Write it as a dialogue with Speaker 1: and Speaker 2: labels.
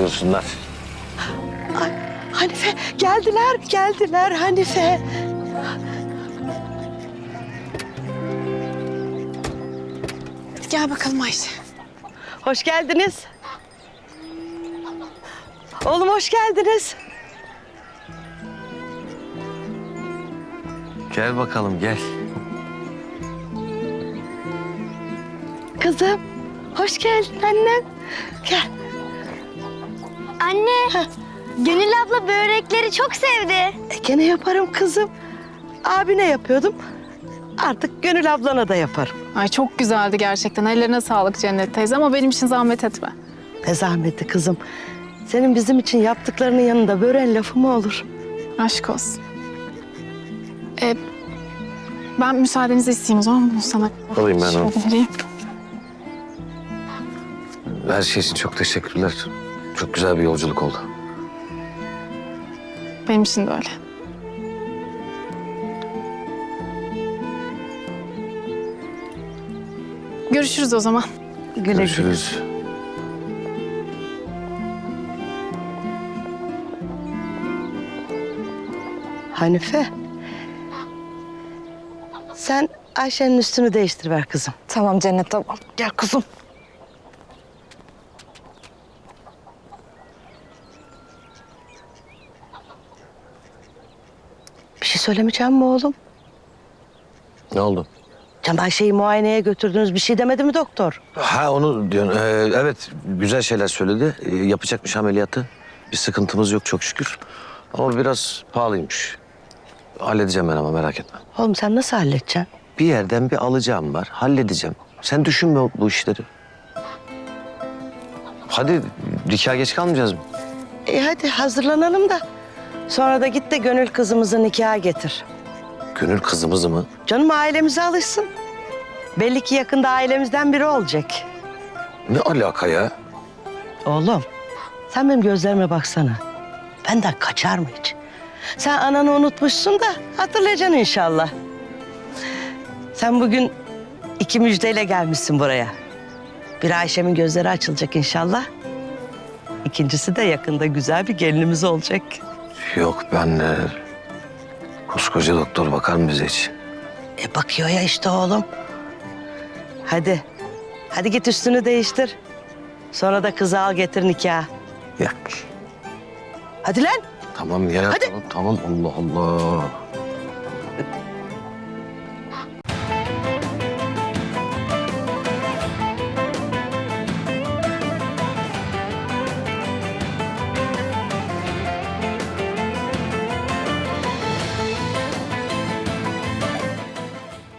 Speaker 1: Buyursunlar.
Speaker 2: Ay, Hanife geldiler Hanife.
Speaker 3: Gel bakalım Ayşe.
Speaker 2: Hoş geldiniz. Oğlum hoş geldiniz.
Speaker 1: Gel bakalım gel.
Speaker 2: Kızım hoş geldin annem. Gel.
Speaker 4: Anne, Gönül abla börekleri çok sevdi.
Speaker 2: Gene yaparım kızım. Abine yapıyordum. Artık Gönül ablana da yaparım.
Speaker 3: Ay çok güzeldi gerçekten. Ellerine sağlık Cennet teyze ama benim için zahmet etme.
Speaker 2: Ne zahmeti kızım. Senin bizim için yaptıklarının yanında böreğin lafı mı olur?
Speaker 3: Aşk olsun. Ben müsaadenizi isteyeyim o zaman. Bunu sana
Speaker 1: Alayım ben onu.
Speaker 3: şöyle vereyim.
Speaker 1: Her şey için çok teşekkürler. Çok güzel bir yolculuk oldu.
Speaker 3: Benim için de öyle. Görüşürüz o zaman.
Speaker 2: Güle güle.
Speaker 1: Görüşürüz.
Speaker 2: Hanife. Sen Ayşe'nin üstünü değiştir ver kızım.
Speaker 3: Tamam Cennet tamam.
Speaker 2: Gel kızım. Bir şey söylemeyeceğim mi oğlum?
Speaker 1: Ne oldu?
Speaker 2: Can Ayşe'yi muayeneye götürdünüz. Bir şey demedi mi doktor?
Speaker 1: Ha onu diyorsun. Evet güzel şeyler söyledi. Yapacakmış ameliyatı. Bir sıkıntımız yok çok şükür. Ama biraz pahalıymış. Halledeceğim ben ama merak etme.
Speaker 2: Oğlum sen nasıl halledeceksin?
Speaker 1: Bir yerden bir alacağım var. Halledeceğim. Sen düşünme bu işleri. Hadi nikah geç kalmayacağız mı?
Speaker 2: Hadi hazırlanalım da. Sonra da git de Gönül kızımızı nikaha getir.
Speaker 1: Gönül kızımızı mı?
Speaker 2: Canım ailemize alışsın. Belli ki yakında ailemizden biri olacak.
Speaker 1: Ne alaka ya?
Speaker 2: Oğlum sen benim gözlerime baksana. Benden kaçar mı hiç? Sen ananı unutmuşsun da hatırlayacaksın inşallah. Sen bugün 2 müjdeyle gelmişsin buraya. Bir Ayşem'in gözleri açılacak inşallah. İkincisi de yakında güzel bir gelinimiz olacak.
Speaker 1: Yok ben... koskoca doktor bakar mı bize hiç?
Speaker 2: Bakıyor ya işte oğlum. Hadi. Hadi git üstünü değiştir. Sonra da kızı al getir nikaha.
Speaker 1: Ya
Speaker 2: Hadi lan.
Speaker 1: tamam ya
Speaker 2: Hadi.
Speaker 1: tamam Allah Allah.